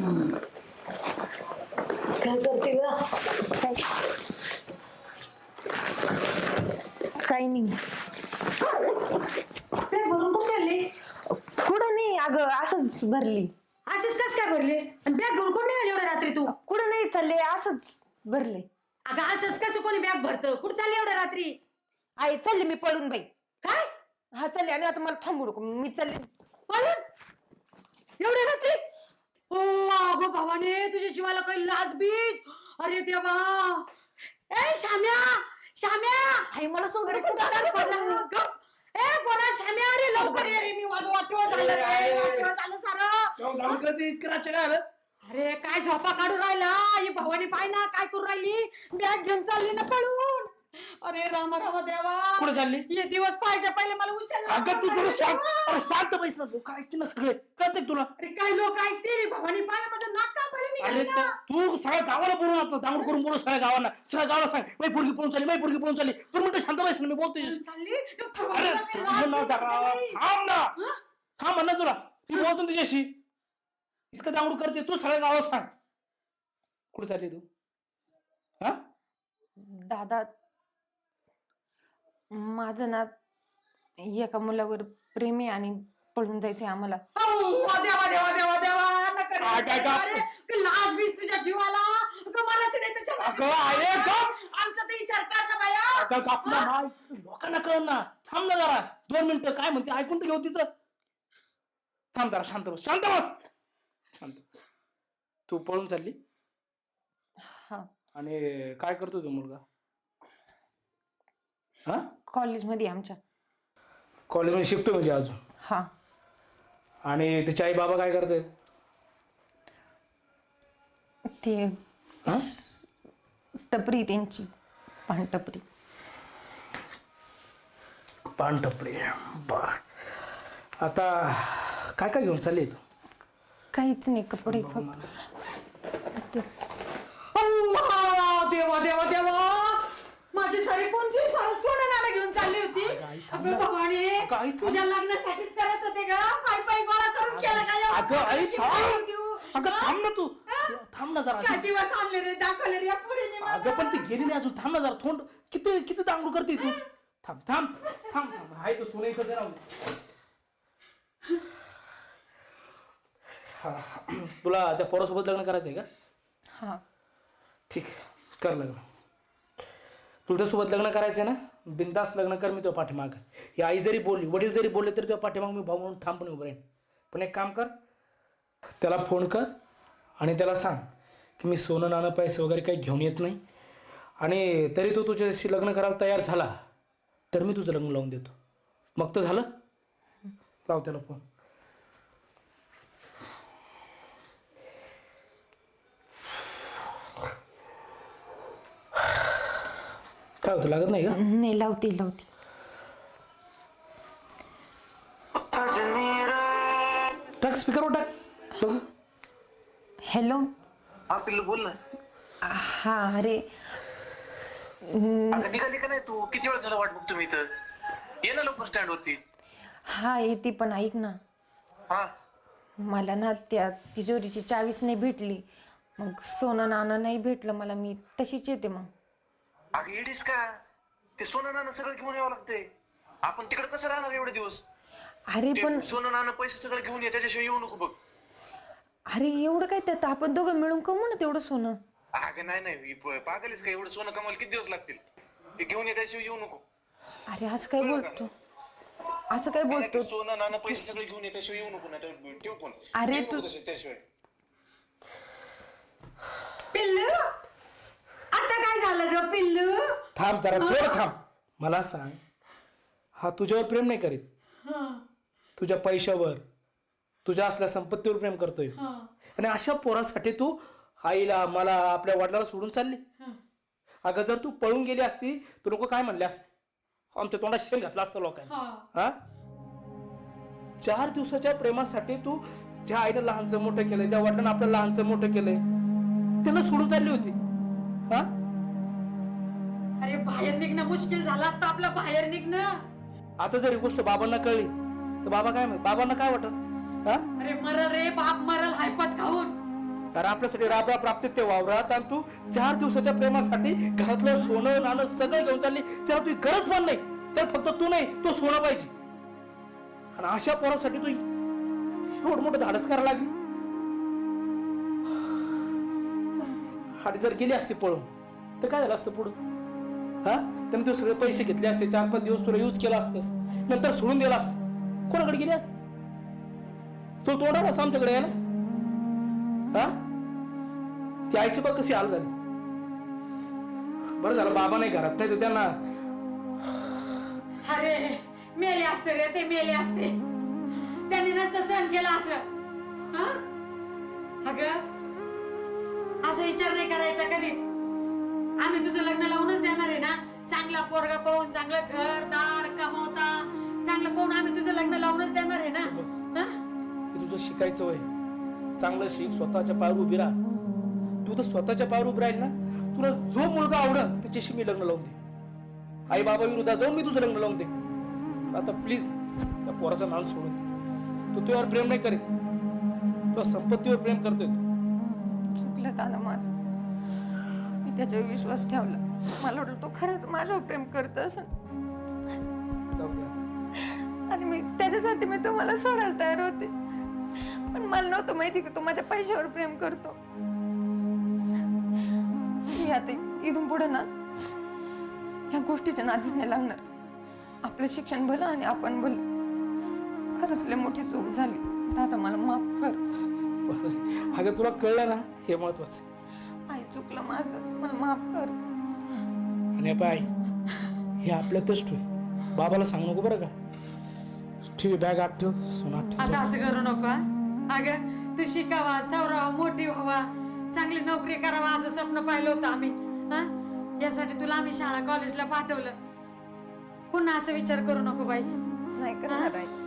काय करते ग? काही नाही. भरून कुठे चालली? कुठं नाही अगं, असंच भरली. असेच कस काय भरले? आणि बॅग घेऊन कोण नाही आली एवढ्या रात्री तू? कुठं नाही चालले, असंच भरले. अगं असंच कसं कोणी बॅग भरतं? कुठं चालली एवढ्या रात्री? आई चालले मी पळून बाई. काय हा चालले, आणि आता मला थांबू नको, मी चालले. पळून? एवढ्या रात्री? ओ अगं भावाने, तुझ्या जीवाला काही लाज बीज? अरे देवा! ए श्याम्या, श्याम्या! आई मला सोडून अरे कुठं कुठं पडला? गप! ए बोला श्याम्या, अरे लवकर ये रे, मी माझं वाटोळं झालं रे, वाटोळं झालं सारं. अरे काय झोपा काढून राहिला? ही भवानी पाय ना काय करू राहिली? बॅग घेऊन चालली ना पळून. अरे रामा रामा देवा, कुठे चालली? हे दिवस पाहिजे पहिले मला उचललं. अगं तू जरा शांत बैस ना, लोक ऐकतील ना सगळे, कळते तुला? अरे काय लोक ऐकतील? भवानी पाय ना, माझं नाक का पहिले अरे निघाली ना. तू सगळ्या गावाला बोलून आता दांगड करून बोलू, सगळ्या गावाला सांग मै पोरगी पळून चालली, मै पोरगी पळून चालली. तू म्हणतो शांत बैस ना, मी बोलतोय. चालली अरे भवानीला मी थांब लाज ना बीज जरा, केली. थांब ना, हं? थांब म्हणा तुला, ती बोलतो ना तुझ्याशी. इतकं दांगड करते तू, सगळ्या गावात सांग. कुठे चालली तू? हा दादा, माझं ना एका मुलावर प्रेम आहे आणि पळून जायचंय आम्हाला. देवा देवा देवा देवा, नका रे, काय, काय? अरे, ते लाज बीज तुझ्या जीवाला. मलाच नाही त्याच्या अगं, आहे का? आमचा तर विचार कर ना बाया. अगं आपला हा लोकांना कळ ना. थांब ना जरा 2 मिनिटं, काय म्हणते ऐकून तर घेऊ तिचं. थांब जरा, शांत बस, शांत बस, शांत. तू पळून चालली हा, आणि काय करतो तो मुलगा? हा, कॉलेजमध्ये आमच्या. कॉलेजमध्ये शिकतो म्हणजे अजून? हा. आणि त्याचे आई बाबा काय करते? ते हा, टपरी त्यांची, पानटपरी. पानटपरी. बर, आता काय काय घेऊन चालली तू? काहीच नाही, कपडे फक्त. देवा देवा देवा, माझी सारी कोणची सोनं नाणं घेऊन चालली होती. अगं भवानी, तुझ्या लग्नासाठीच करत होते का? पाय पाय गोळा करून केला का? अगं आई थांब, अगं थांब ना तू, थांब ना जरा. काय दिवस आणले रे, दाखवले रे या पोरीने मला. अगं पण ती गेली नाही अजून, थांब ना जरा. थोंड किती किती दांगडू करते तू. थांब थांब थांब थांब, हाय तो सोनं इथं राहू दे. हा, तुला त्या पोरासोबत लग्न करायचंय का? हा. ठीक आहे, कर लग्न. तुला त्यासोबत लग्न करायचंय ना, बिंदास लग्न कर. मी तुझ्या पाठीमाग. ही आई जरी बोलली, वडील जरी बोलले तरी तुझ्या पाठीमाग मी भाऊ म्हणून ठामपणे उभं राहीन. पण एक काम कर, त्याला फोन कर आणि त्याला सांग की मी सोनं नाणं पैसे वगैरे काही घेऊन येत नाही, आणि तरी तो तुझ्याशी लग्न करायला तयार झाला तर मी तुझं लग्न लावून देतो. मग तर झालं. लाव त्याला फोन. काय होतं, लागत नाही का? नाही, लावते. टाक स्पीकरवर टाक बघू. हॅलो. हा पिल्लू बोल ना. हा, अरे अगं निघाली का नाही तू? किती वेळ झाला वाट बघतो मी इथं. ये ना लवकर स्टँड वरती. हा येते, पण ऐक ना, हा मला ना त्या तिजोरीची चावीच नाही भेटली. मग सोनं नाणं नाही भेटलं मला, मी तशीच येते मग. अगं येडीस का? ते सोनं नाणं सगळं घेऊन यावं लागतंय. आपण तिकडे कसं राहणार एवढे दिवस? अरे ते पण, सोनं नाणं पैसे सगळं घेऊन ये, त्याच्याशिवाय येऊ नको बघ. अरे एवढं काय त्यात, आपण दोघं मिळून कमवू ना तेवढं सोनं. अगं नाही पागलीस का? एवढं सोनं कमावलं किती दिवस लागतील? ते घेऊन ये, त्याशिवाय येऊ नको. अरे असं काय बोलतो, असं काय बोलतो? सोनं नाणं पैसे सगळे घेऊन ये, त्याशिवाय येऊ नको. नाही ठेव फोन. अरे येऊ नको तू- त्याशिवाय. पिल्लू, आता काय झालं ग पिल्लू? थांब जरा, थोडं थांब. मला सांग, हा तुझ्यावर प्रेम नाही करीत, तुझ्या पैशावर, तुझ्या असल्या संपत्तीवर प्रेम करतोय. आणि अशा पोरासाठी तू आईला, मला, आपल्या वडिलाला सोडून चालली. अगं जर तू पळून गेली असती तर लोक काय म्हणले असते? आमच्या तोंडात शेण घातलं असतं लोकांनी. हा, 4 दिवसाच्या प्रेमासाठी तू ज्या आईनं लहानचं मोठं केलंय, ज्या वडिलांना आपलं लहानचं मोठं केलंय, त्यांना सोडून चालली होती. हा, अरे बाहेर निघणं मुश्किल झालं असतं आपलं, बाहेर निघणं. आता जर ही गोष्ट बाबांना कळली तर बाबा काय म्हणत? बाबांना काय वाटत? हा, अरे मरल रे बाप, मरल हायपत खाऊन. अरे आपल्यासाठी राबरा प्राप्त ते वावरात आणि तू 4 दिवसाच्या प्रेमासाठी घरातलं सोनं नाणं सगळं घेऊन चालली. त्याला तुझी गरज पण नाही, तर फक्त तू नाही तो सोनं पाहिजे. आणि अशा पोरासाठी तू एवढं मोठं धाडस करायला लागली. आणि जर गेली असते पळून तर काय झालं असतं पुढं? हा, त्याने तू सगळे पैसे घेतले असते, 4-5 दिवस तुला यूज केला असतं, नंतर सोडून दिला असतं. कोणाकडे गेली असते? तुला तोंडाला असं आमच्याकडे यायला. हा, ती आईची बघ कशी हाल झाली. बरं झालं बाबा नाही घरात, नाही तर त्यांना अरे मेले असते रे ते, मेले असते. त्यांनी नसतं सहन केलं असं. हा? अगं असं विचार नाही करायचा कधीच. आम्ही तुझं लग्न लावूनच देणार आहे ना. चांगला पोरगा पाहून, चांगलं घर दार कमवता चांगलं पाहून आम्ही तुझं लग्न लावूनच देणार आहे ना. हा? तुझं शिकायचं वय, चांगलं शिक, स्वतःच्या पायावर उभी राहा. तू तर स्वतःच्या पायावर उभी राहील ना, तुला जो मुलगा आवडल त्याच्याशी मी लग्न लावून दे. आई बाबा विरुद्ध जाऊन मी तुझं लग्न लावून दे. आता प्लीज त्या पोराचा नाल सोडून दे. तो तुझ्यावर प्रेम नाही करीत, तुझ्या संपत्तीवर प्रेम करतोय. चुकलं दादा माझं, मी त्याच्यावर विश्वास ठेवला. मला वाटलं तो खरंच माझ्यावर प्रेम करत असेल जाऊ दे आता. आणि मी त्याच्यासाठी मी तुम्हाला सोडायला तयार होते. पण मला नव्हतं माहिती की तो माझ्या पैशावर प्रेम करतो. मी आता इथून पुढे ना ह्या गोष्टीच्या नादीच नाही लागणार. आपलं शिक्षण भलं आणि आपण भलं. खरंच लय मोठी चूक झाली दादा, मला माफ कर. बरं. अगं तुला कळलं ना, हे महत्वाचं आहे. आई चुकलं माझं, मला माफ कर. आणि पाय हे आपल्यातच ठेव, बाबाला सांग नको बरं का. ठेव बॅग आत ठेव, सोना आत ठेव. आता असं करू नको. अगं तू शिकावा, सवरावा, मोठी व्हावा, चांगली नोकरी करावा असं स्वप्न पाहिलं होतं आम्ही. हा, यासाठी तुला आम्ही शाळा कॉलेजला पाठवलं. पुन्हा असं विचार करू नको बाई. नाही करणार आई.